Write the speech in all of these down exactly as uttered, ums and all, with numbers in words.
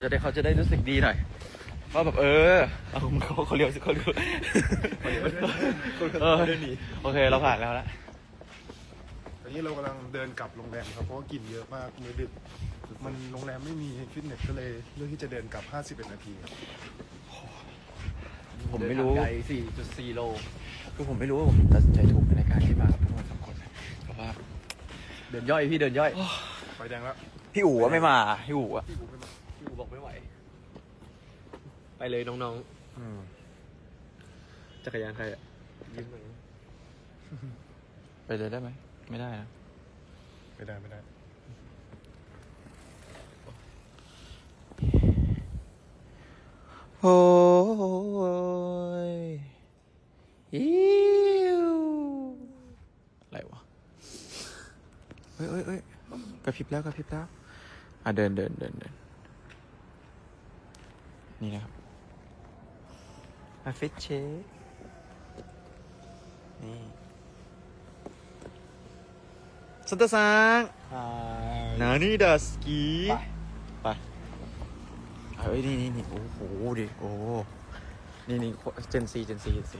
จะได้เขาจะได้รู้สึกดีหน่อยว่าแบบเออเอาเขาเขาเลี้ยวสิเขาเลี้ยวเออโอเคเราผ่านแล้วละตอนนี้เรากำลังเดินกลับโรงแรมครับเพราะว่ากินเยอะมากมื้อดึกมันโรงแรมไม่มีฟิตเนสก็เลยเลือกที่จะเดินกลับห้าสิบเอ็ดนาทีครับผมไม่รู้ไกล สี่จุดสี่ โลคือผมไม่รู้ว่าผมตัดสินใจถูกในการที่มากับพวกมันสองคนเพราะว่าเดินย่อยพี่เดินย่อยไฟแดงแล้วพี่อู๋ไม่มาพี่อู๋อะพี่กูไม่มาพี่อูบอกไม่ไหว ไปเลยน้องอืมๆ จักรยานใครอ่ะยืมหน่อยไปเลยได้ไหมไม่ได้นะไม่ได้ไม่ได้โอ้ยอิวอะไรวะเฮ้ยเฮ้ยเฮ้ยกระพริบแล้วกระพริบแล้วอ่ะเดินเดินเดินเดินนี่นะครับมาฟิตเชคนี่ซันตาซังนานี่ดัสกีไปเฮ้ยนี่นี่นี่โอ้โหดิโอ้นี่นี่เจนซีเจนซีเจนซี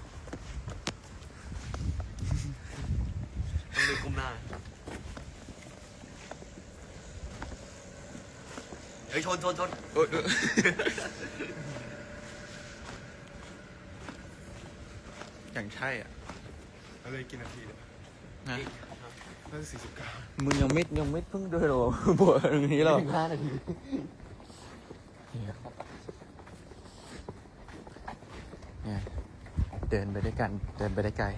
ต้องดูก้มหน้าเฮ้ยชนชนชนเออเอออย่างใช่อ่ะแล้วเลยกินนาทีเนี่ยนะน่าจะสี่สิบเก้ามึงยังไม่ยังไม่เพิ่งเดินหรอ บวชอย่างนี้หรอถึงห้านาทีเนี่ยเดินไปด้วยกันเดินไปได้ไกล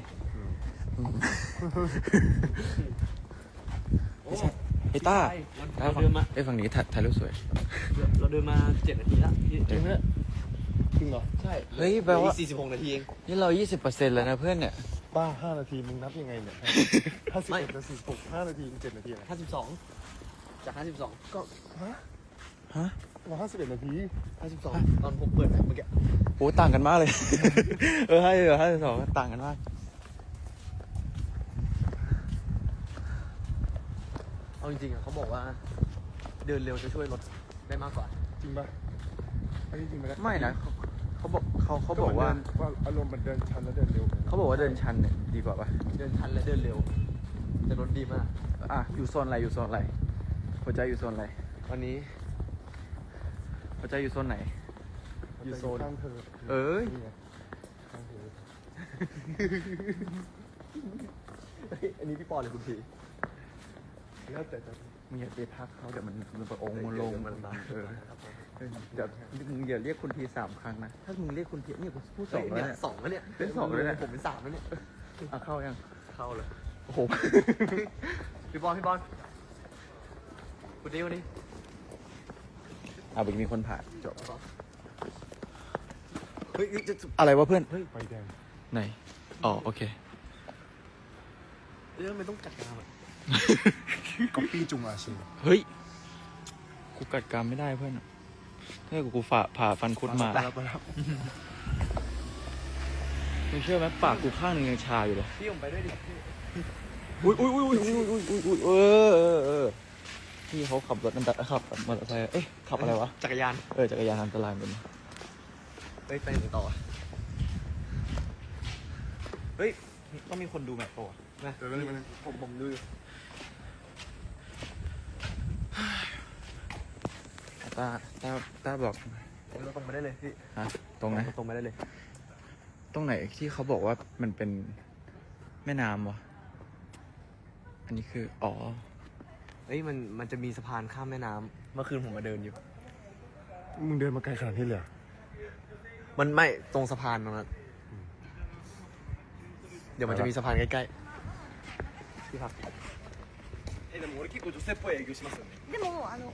ไอ้ต้าเราเดินมาไอ้ฝั่งนี้ถ่ายถ่ายรูปสวยเราเดินมาเจ็ดนาทีแล้วพี่จริงไหมจริงเหรอใช่เฮ้ยแปลว่าสี่สิบหกนาทีเองนี่เรายี่สิบเปอร์เซ็นต์แล้วนะเพื่อนเนี่ยบ้าห้านาทีมึงนับยังไงเนี่ยห้าสิบเอ็ดนาทีหกห้านาทีเจ็ดนาทีอะไรห้าสิบสองจากห้าสิบสองก็ฮะฮะเราห้าสิบเอ็ดนาทีห้าสิบสองตอนผมเปิดเมื่อกี้โอ้ต่างกันมากเลย เออให้เออให้สองต่างกันมากเอาจริงๆอ่ะเขาบอกว่า เดินเร็วจะช่วยลดได้มากกว่าจริงปะอันนี้จริงไหมไม่นะเขาเขาบอกเขาเขาบอกว่าว่าอารมณ์มันเดินชันแล้วเดินเร็วเขาบอกว่าเดินชันเนี่ยดีกว่าปะเดินทันและเดินเร็วจะลดดีมากอ่ะอยู่โซนอะไรอยู่โซนอะไรหัวใจอยู่โซนอะไรวันนี้หัวใจอยู่โซนไหนอยู่โซนข้างเธอเอ้ยนี่ไงข้างเธอเฮ้ยอันนี้พี่ปอหรือคุณพีแล้วแต่จะมึงอย่าไปทักเขาเดี๋ยวมันมันประองค์มันลงเดี๋ยวมันมาเออเออเดี๋ยวมึงอย่าเรียกคุณทีสามครั้งนะถ้ามึงเรียกคุณทีนี่กูพูดสองแล้วเนี่เนี่ย ยสองแล้วเนี่ยเป็นสองแล้วเนี่ยผมเป็นสามแล้วเนี่ยอ่ะเข้ายังเข้าเลยโอ้โหพี่บอลพี่บอลคุณดิวดิอ่ะเมื่อกี้มีคนผ่านจบเฮ้ยจะอะไรวะเพื่อนเฮ้ยไฟแดงไหนอ๋อโอเคเรื่องมันต้องจัดการอ่ะก๊อปปี้จุงอาชีเฮ้ยกูกัดกรามไม่ได้เพื่อนถ้ากูฝ่าผ่าฟันคุดมาแล้วไปแล้วมึงเชื่อไหมปากกูข้างหนึงยังชาอยู่เลยพี่ผมไปด้วยดิอุ้ยอุ้ยอุ้ยอุ้ยอุ้ยอุ้ยอุ้ยเออเออเออพี่เขาขับรถนั่นแต่ขับมอเตอร์ไซค์เอ้ยขับอะไรวะจักรยานเออจักรยานอันตรายเป็นเฮ้ยไปไหนต่อเฮ้ยต้องมีคนดูแมปป่ะนะเดี๋ยวนี้มันผมผมดูอยู่ตาตาตาบอกเราตรงไปได้เลยพี่ฮะตรงไหนตรงไปได้เลยตรงไหนที่เขาบอกว่ามันเป็นแม่น้ำวะอันนี้คืออ๋อเฮ้ยมันมันจะมีสะพานข้ามแม่น้ำเมื่อคืนผมมาเดินอยู่มึงเดินมาไกลขนาดนี้เลยเหรอมันไม่ตรงสะพานตรงนั้นเดี๋ยวมันจะมีสะพานใกล้ๆที่พักえでも俺結構女性っぽい営業しますよねでもあの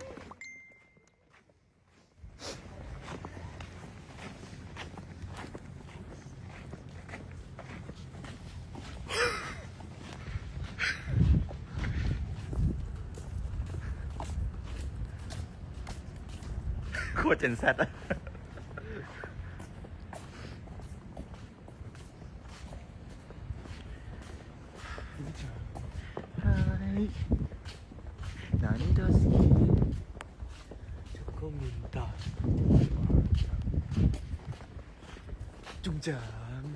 โคตรเจนแซดอะ 何どすきチョコミตาจุงจาง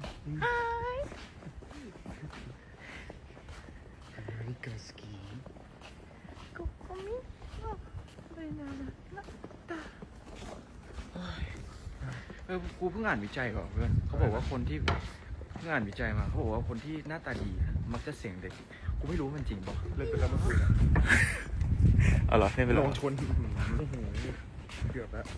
アメリカ好きここみのこれななったเออกูเพิ่งอ่านวิจัยก่อนเพื่อนเขาบอกว่าคนที่เพิ่งอ่านวิจัยมาเขาบอกว่าคนที่หน้าตาดีมักจะเสียงเด็กกูไม่รู้มันจริงป่ะเล่นไปแล้วเมื่อคืนอ๋อเหรอไม่เป็นไรลงชนเกือบแล้ว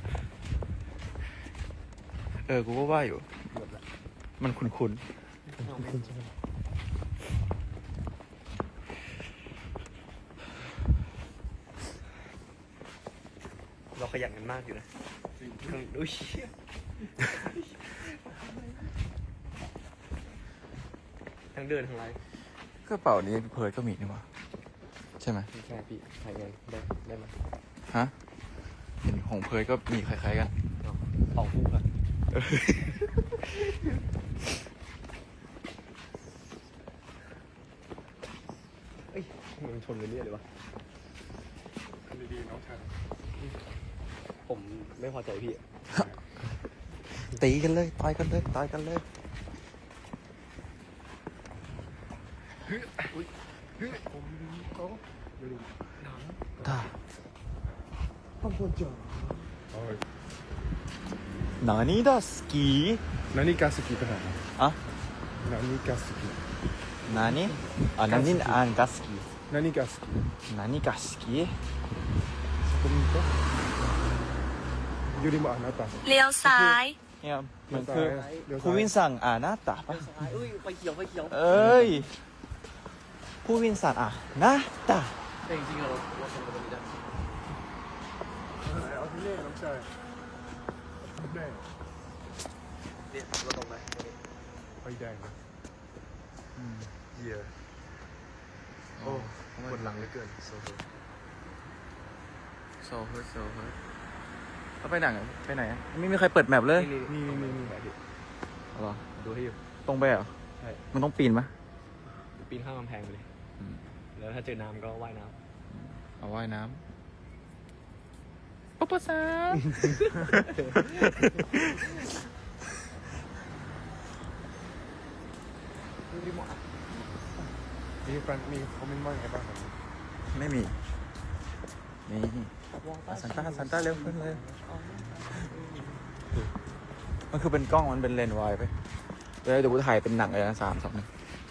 เออกูก็ว่าอยู่เกือบแล้วมันคุ้นคุณใช่ไหมเราขยันกันมากอยู่นะทั้งอุ้ยทั้งเดินทั้งไลฟ์ๆกระเป๋านี้เพิร์ดก็มีนี่หว่าใช่ไหมใช่พี่ถ่ายไงได้ได้ไหมฮะเห็นของเพิร์ดก็มีคล้ายๆกันสองคู่ครับเอ้ยมันชนไปเรื่อยเลยวะอันดีๆน้องชายผมไม่พอใจพี่ตีกันเลยต่อยกันเลยต่อยกันเลยผมเขาไม่รู้ตาข้างบนจ๋าโอ้ยนานี่ดาสกีนานี่กาสกิไปไหนอะนานี่กาสกินานี่อ่ะนานี่อ่านกาสกีนานี่กาสกินานี่กาสกีここにいたよりもあなたเลี้ยวซ้ายเนี่ยมันคือเดี๋ยวซ้ายผู้วินสั่งอ่านาตาปะเอ้ยไฟเขียวไฟเขียวเอ้ยผู้วินสั่งอ่านาตาแต่จริงๆเราเราชนกันตรงนี้ได้เอาที่เล่น้องชายแดงเนี่ยเราตรงไหนไฟแดงนะเหี้ยโอ้ปวดหลังเหลือเกินโซโซโซเฮิร์ตโซเฮิร์ตแล้วไปไหนอะไปไหนอะไม่มีใครเปิดแมปเลยนี่นี่นี่นี่นี่เหรอดูให้อยู่ตรงไปเหรอใช่มันต้องปีนไหมปีนข้ามกำแพงไปเลยอืมแล้วถ้าเจอน้ำก็ว่ายน้เอาว่ายน้ำปุ๊บปุ๊บซามีแฟนมีคอมเมนต์ว่าไงบ้างครับไม่มี นี่อ่ะซันต้าซันต้าเร็วขึ้นเลย มันคือเป็นกล้องมันเป็นเลนส์วายไปเดี๋ยวเดี๋ยวกูถ่ายเป็นหนังเลยนะสามสองหนึ่ง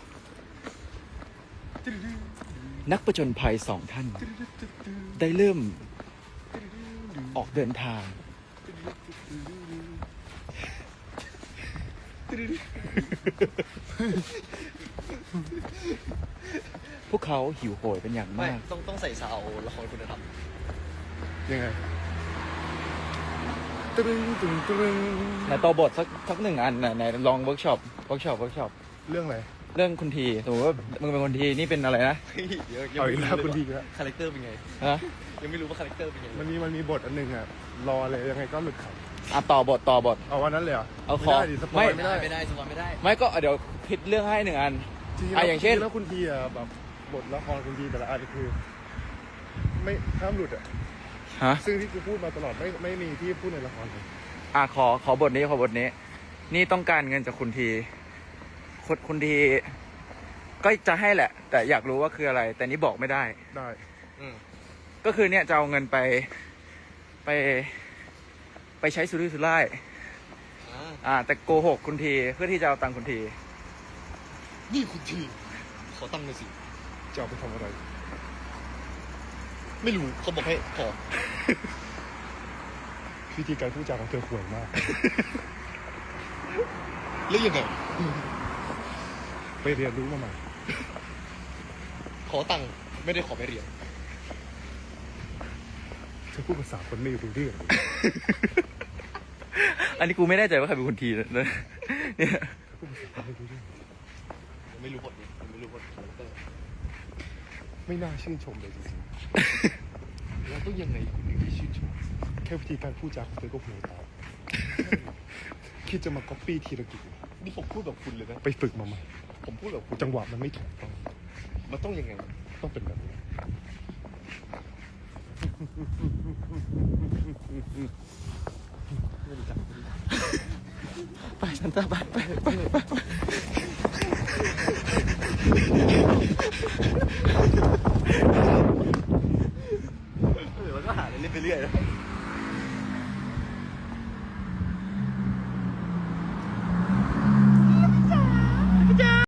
นักประจนภัยสองท่าน ได้เริ่มออกเดินทาง พวกเขาหิวโหยเป็นอย่างำไม่มากต้องต้องใส่ซาวละครคุณธรรมยังไงตึ้งตึ้งตึ้งไหนต่อบทสักสักหนึ่งอันไหนไหนลองเวิร์กช็อปเวิร์กช็อปเวิร์กช็อปเรื่องอะไรเรื่องคุณทีสมมติว่ามึงเป็นคนทีนี่เป็นอะไรนะเยอะเอาอีกแล้วคุณดีแล้วคาแรคเตอร์เป็นไงฮะยังไม่รู้ว่าคาแรคเตอร์เป็นยังไงมันมีมันมีบทอันหนึงอ่ะรอเลยยังไงก็หลุดครับอ่ะต่อบทต่อบทเอาวันนั้นเลยเหรอเอาไม่ขอได้ดิสปอยไม่ไม่ได้ไม่ได้สปอยไม่ได้ไม่ก็เดี๋ยวผิดเรื่องให้หนึ่งอันจริงๆอ่ะแล้วอย่างเช่นจริแล้วคุณทีอ่ะแบบบทละครคุณทีแต่ละอันคือ ไม่ห้ามหลุดอ่ะฮะซึ่งที่กูพูดมาตลอดไม่ไม่มีที่พูดในละครเลยอ่ะขอขอบทนี้ขอบทนี้ นี่ต้องการเงินจากคุณทีคุณคุณทีก็จะให้แหละ แต่อยากรู้ว่าคืออะไร แต่นี่บอกไม่ได้ได้อืมก็คือเนี่ยจะเอาเงินไปไป ไปใช้สุรุ่ยสุร่ายอ่าอ่า แต่โกหกคุณทีเพื่อที่จะเอาตังค์คุณทีนี่คุณทีขอตั้งหน่อยสิจะเอาไปทำอะไรไม่รู้เขาบอกให้ขอวิธีการพูดจาของเธอห่วยมากแล้วยังไงไปเรียนรู้มาใหม่ขอตังค์ไม่ได้ขอไปเรียนเธอพูดภาษาคนไม่รู้เรื่องอันนี้กูไม่แน่ใจว่าใครเป็นคุณทีนะเนี่ยพูดภาษาคนไม่รู้เรื่องยังไม่รู้บทนี้ยังไม่รู้บทคาแรคเตอร์ไม่น่าชื่นชมเลยจริงแล้วต้องยังไงคุณถึงจะชื่นชมๆแค่วิธีการพูดจาของเธอก็ห่วยตาม คิดจะมาก๊อปปี้ธีรกิจนี่ผมพูดแบบคุณเลยนะไปฝึกมาใหม่ผมพูดแบบคุณจังหวะมันไม่ถูกต้องมันต้องยังไงต้องเป็นแบบนี้ไปซันต้าไปไปไปไป